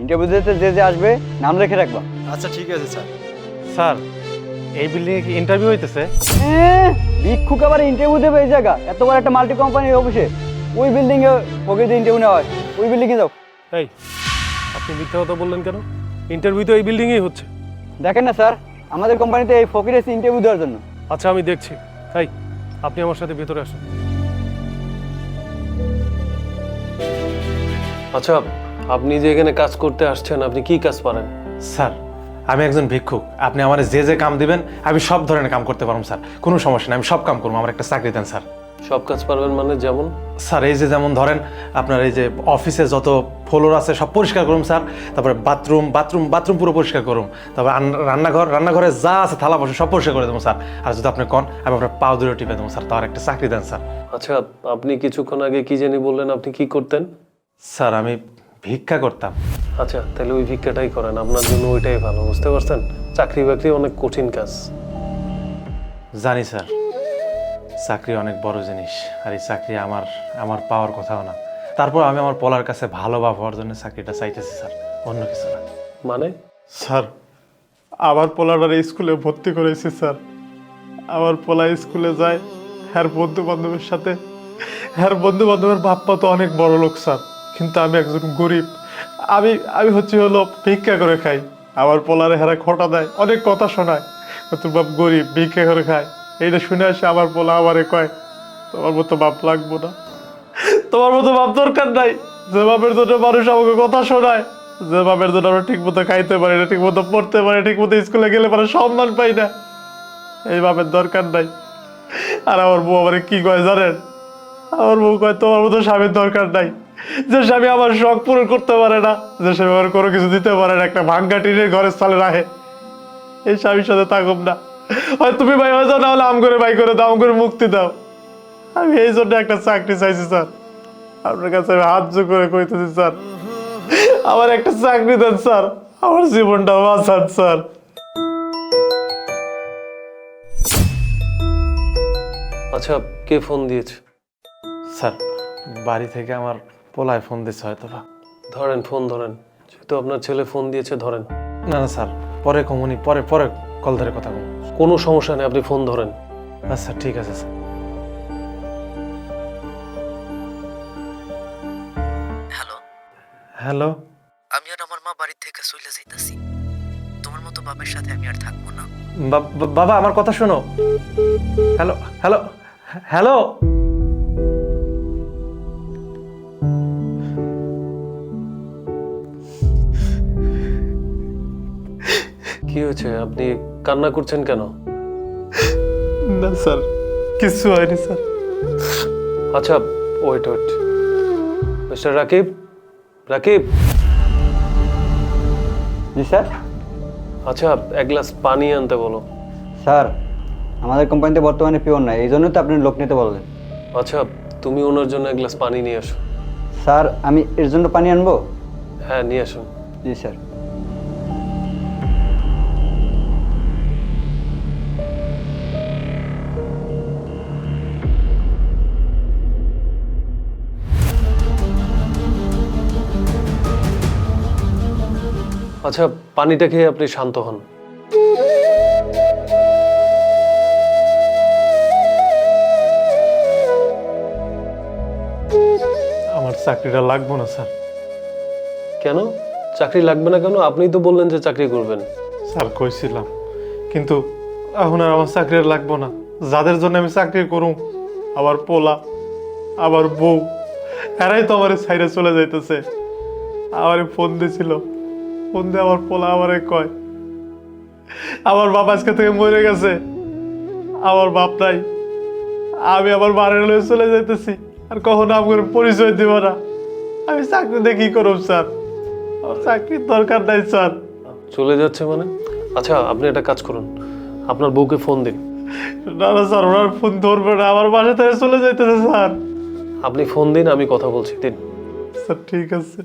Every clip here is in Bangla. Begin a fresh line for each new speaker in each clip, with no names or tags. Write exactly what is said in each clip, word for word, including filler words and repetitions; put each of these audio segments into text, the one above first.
ইন্টারভিউ দিতে যে যে আসবে নাম লিখে রাখবা।
আচ্ছা ঠিক আছে স্যার।
স্যার এই বিল্ডিংয়ে কি ইন্টারভিউ হইতেছে?
হ্যাঁ, ভিক্ষুক আবার ইন্টারভিউ দেবে এই জায়গা, এত বড় একটা মাল্টি কোম্পানির অফিসে? ওই বিল্ডিংয়ে প্রকৃতি ইন্টারভিউ নেওয়া হয়, ওই বিল্ডিংয়ে যাও।
এই আপনি মিথ্যা কথা বললেন কেন? ইন্টারভিউ তো এই বিল্ডিংয়েই হচ্ছে।
দেখেন না স্যার, আমাদের কোম্পানিতে এই ফকির এসে ইন্টারভিউ দেওয়ার জন্য।
আচ্ছা আমি দেখছি। এই আপনি আমার সাথে ভেতরে আসুন। আচ্ছা আপনি যে এখানে কাজ করতে আসছেন, আপনি কি কাজ পারেন?
স্যার আমি একজন ভিক্ষুক, আপনি আমার যে যে কাম দিবেন আমি সব ধরনের কাম করতে পারবো স্যার, কোনো সমস্যা নেই, আমি সব কাম করবো, আমার একটা চাকরি দেন স্যার।
সব কাজ পারবেন মানে? যেমন?
স্যার এই যে যেমন ধরেন আপনার এই যে অফিসে যত ফ্লোর আছে সব পরিষ্কার করুন স্যার, তারপরে বাথরুম বাথরুম বাথরুম পুরো পরিষ্কার করুন, তারপরে রান্নাঘর রান্নাঘরে যা আছে থালা বসে সব পরিষ্কার করে দেবো স্যার। আর যদি আপনি কন আমি আপনার পাও দূরে টিপে দেবো স্যার, তার একটা চাকরি দেন স্যার।
আচ্ছা আপনি কিছুক্ষণ আগে কি জানি বললেন আপনি কি করতেন?
স্যার আমি ভিক্ষা করতাম।
আচ্ছা তাহলে ওই ভিক্ষাটাই করেন, আপনার জন্য ওইটাই ভালো, বুঝতে পারছেন? চাকরি বাকরি অনেক কঠিন কাজ।
জানি স্যার, চাকরি অনেক বড় জিনিস, আর এই চাকরি আমার আমার পাওয়ার কথাও না, তারপর আমি আমার পোলার কাছে ভালো বা হওয়ার জন্য চাকরিটা চাইতেছি স্যার, অন্য কিছু না।
মানে?
স্যার আমার পোলাটার স্কুলে ভর্তি করেছি স্যার, আমার পোলা স্কুলে যায় হ্যার বন্ধু বান্ধবের সাথে, হ্যার বন্ধু বান্ধবের বাপ্পা তো অনেক বড় লোক স্যার, কিন্তু আমি একজন গরিব, আমি আমি হচ্ছে হলো ভিক্ষা করে খাই। আমার পোলারে হেরা খোটা দেয়, অনেক কথা শোনায়, তোর বাপ গরিব ভিক্ষা করে খায়, এইটা শুনে আসে আমার পোলা আমারে কয় তোমার মতো বাপ লাগবো না, তোমার মতো বাপ দরকার নাই, যে বাপের জন্য মানুষ আমাকে কথা শোনায়, যে বাপের জন্য আমরা ঠিক মতো খাইতে পারি না, ঠিক মতো পড়তে পারি, ঠিক মতো স্কুলে গেলে পরে সম্মান পাই না, এই বাপের দরকার নাই। আর আমার বউ আমার কি কয় জানেন? আমার বউ কয় তোমার মতো স্বামীর দরকার নাই, যে স্বামী আমার শখ পূরণ করতে পারে না, যে স্বামী আমার কোনো কিছু দিতে পারে না, একটা ভাঙ্গা টিনের ঘরের সালে রাখে, এই স্বামীর সাথে থাকুম না, হয় তুমি ভাই হয়ে যাও, না হলে আম করে ভাই করে দাও, আম করে মুক্তি দাও। আমি এই জন্য একটা চাকরি চাইছি স্যার, আপনার কাছে আমি হাত জোর করে কইতেছি স্যার, আমার একটা চাকরি দেন স্যার, আমার জীবনটা বাঁচান স্যার।
আচ্ছা কে ফোন দিয়েছে?
স্যার বাড়ি থেকে আমার পোলায় ফোন দিচ্ছে হয়তো বা।
ধরেন ফোন ধরেন, যেহেতু আপনার ছেলে ফোন দিয়েছে ধরেন।
না না স্যার পরে কমুনি, পরে পরে কল ধরে কথা কম।
কোনো সমস্যা নেই, আপনি ফোন ধরেন।
আচ্ছা ঠিক আছে স্যার।
Hello,
hello.
আমি আর আমার মা বাড়ি থেকে চলে যাইতাছি, তোমার মতো বাবার সাথে আমি আর থাকবো না।
বা- বা- বাবা আমার কথা শোনো। Hello hello hello.
কি হয়েছে, আপনি কান্না করছেন কেন?
না স্যার কিছু হয়নি স্যার।
আচ্ছা wait wait mister Rakib, Rakib.
জি স্যার।
আচ্ছা এক গ্লাস পানি আনতে বলো।
স্যার আমাদের কোম্পানিতে বর্তমানে পিওর নাই, এই জন্যই তো আপনি লোক নিতে বললেন।
আচ্ছা তুমি ওনার জন্য এক গ্লাস পানি নিয়ে আসো।
স্যার আমি এর জন্য পানি আনবো?
হ্যাঁ নিয়ে আসুন।
জি স্যার।
আচ্ছা পানিটা খেয়ে আপনি শান্ত হন।
আমার চাকরিটা লাগবো না স্যার।
কেন চাকরি লাগবে না কেন? আপনিই তো বললেন যে চাকরি করবেন।
স্যার কইছিলাম, কিন্তু এখন আর আমার চাকরি আর লাগবো না, যাদের জন্য আমি চাকরি করুম আমার পোলা আমার বউ এরাই তো আমার সাইডে চলে যাইতেছে। আমারে ফোন দিছিল, ফোন দিয়ে আমার পোলা আমারে কয় আমার বাপ আজকে থেকে মরে গেছে, আমার বাপ নাই, আমি আমার বাড়ির লয়ে চলে যাইতেছি, আর কখনো আমার পরিচয় দিব না, আমি চাকরি দিয়ে কি করব স্যার? আমার চাকরির দরকার নাই স্যার।
চলে যাচ্ছে মানে? আচ্ছা আপনি একটা কাজ করুন, আপনার বউকে ফোন দিন।
না না স্যার, ওনার ফোন ধরবে না, আমার বাসা থেকে চলে যাইতেছে স্যার।
আপনি ফোন দিন, আমি কথা বলছি, দিন।
স্যার ঠিক আছে।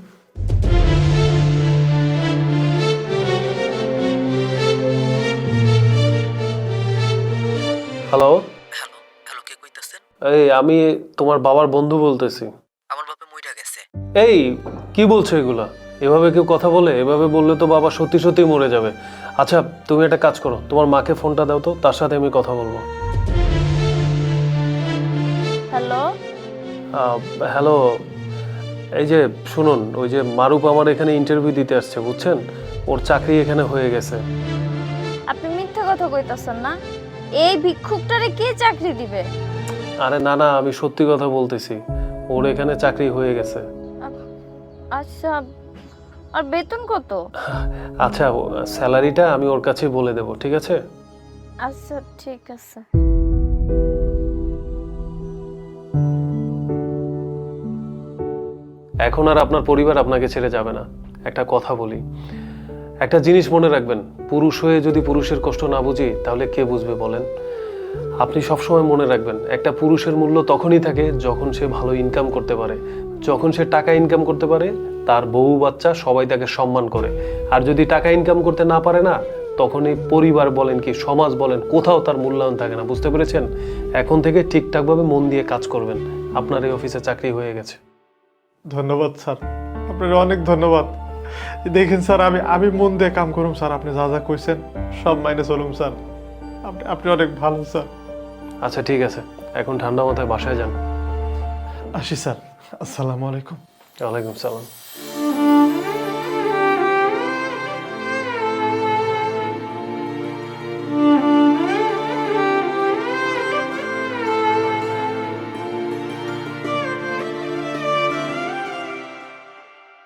হ্যালো।
হ্যালো হ্যালো, কে কইতাছেন?
এই আমি তোমার বাবার বন্ধু বলতেছি।
আমার বাপে মইরা গেছে।
এই কি বলছো এগুলা? এভাবে কেউ কথা বলে? এভাবে বললে তো বাবা সত্যি সত্যি মরে যাবে। আচ্ছা তুমি একটা কাজ করো, তোমার মাকে ফোনটা দাও তো, তার সাথে আমি কথা বলবো।
হ্যালো,
হ্যালো, এই যে শুনুন, ওই যে মারুপ আমার এখানে ইন্টারভিউ দিতে আসছে বুঝছেন, ওর চাকরি এখানে হয়ে গেছে।
আপনি মিথ্যা কথা কইতাছেন না? এই ভিক্ষুকটারে কে চাকরি দিবে?
আরে না না, আমি সত্যি কথা বলতেছি, ওর এখানে চাকরি হয়ে গেছে।
আচ্ছা, আর বেতন কত?
আচ্ছা স্যালারিটা আমি ওর কাছে বলে দেব, ঠিক আছে?
আচ্ছা ঠিক আছে।
এখন আর আপনার পরিবার আপনাকে ছেড়ে যাবে না। একটা কথা বলি, একটা জিনিস মনে রাখবেন, পুরুষ হয়ে যদি পুরুষের কষ্ট না বুঝি তাহলে কে বুঝবে বলেন? আপনি সবসময় মনে রাখবেন, একটা পুরুষের মূল্য তখনই থাকে যখন সে ভালো ইনকাম করতে পারে। যখন সে টাকা ইনকাম করতে পারে, তার বউ বাচ্চা সবাই তাকে সম্মান করে। আর যদি টাকা ইনকাম করতে না পারে না, তখন এই পরিবার বলেন কি সমাজ বলেন, কোথাও তার মূল্যায়ন থাকে না। বুঝতে পেরেছেন? এখন থেকে ঠিকঠাকভাবে মন দিয়ে কাজ করবেন। আপনার এই অফিসে চাকরি হয়ে গেছে।
ধন্যবাদ স্যার, আপনার অনেক ধন্যবাদ। দেখেন স্যার, আমি আমি মন দিয়ে কাম করুম স্যার, আপনি যা যা কইছেন সব মাইনে চলুম স্যার। আপনি আপনি অনেক ভালো স্যার।
আচ্ছা ঠিক আছে, এখন ঠান্ডা মাথায় বাসায় যান।
আসি স্যার, আসসালামু আলাইকুম।
ওয়ালাইকুম সালাম।